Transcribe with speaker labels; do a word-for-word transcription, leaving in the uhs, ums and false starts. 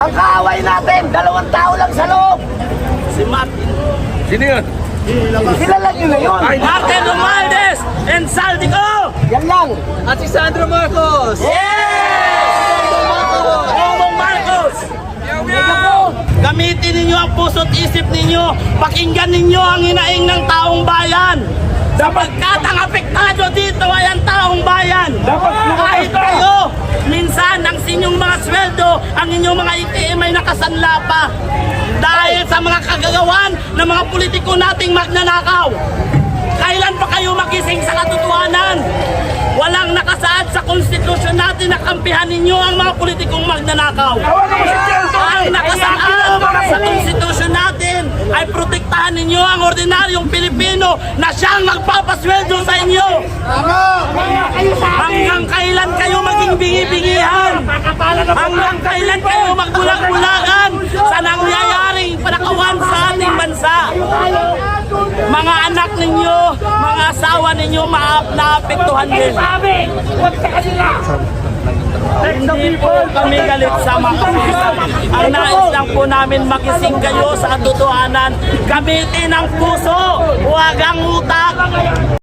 Speaker 1: Ang kaaway natin, dalawang tao lang sa loob.
Speaker 2: Si Martin.
Speaker 3: Sino yun?
Speaker 1: Kilala nyo na yun.
Speaker 2: Martin Romualdez and Saldico!
Speaker 1: Yan lang.
Speaker 4: At si Sandro Marcos!
Speaker 2: Bongbong Marcos! Gamitin ninyo ang puso't isip ninyo. Pakinggan ninyo ang hinaing ng taong bayan. Sapagkat ang apektado dito ay ang taong bayan. Kahit kayo, minsan ang inyong mga sweldo, ang inyong mga I T M ay nakasanla pa. Dahil sa mga kagagawan ng mga politiko nating magnanakaw. Kailan pa kayo magising sa katotohanan? Walang nakasaad sa konstitusyon natin na kampihan ninyo ang mga politikong magnanakaw. Ang nakasaad sa konstitusyon natin ay protektahan ninyo ang ordinaryong Pilipino na siyang magpapasweldo sa inyo. Hanggang kailan kayo maging bingi-bingihan? Hanggang kailan kayo magbulag-bulagan sa nangyayaring panakawan sa ating bansa? Mga anak ninyo, mga asawa ninyo, maapektuhan din. Hindi po kami galit sa mga kapulisan. Ang nais lang po namin makising kayo sa katotohanan. Gamitin ang puso, huwag ang utak.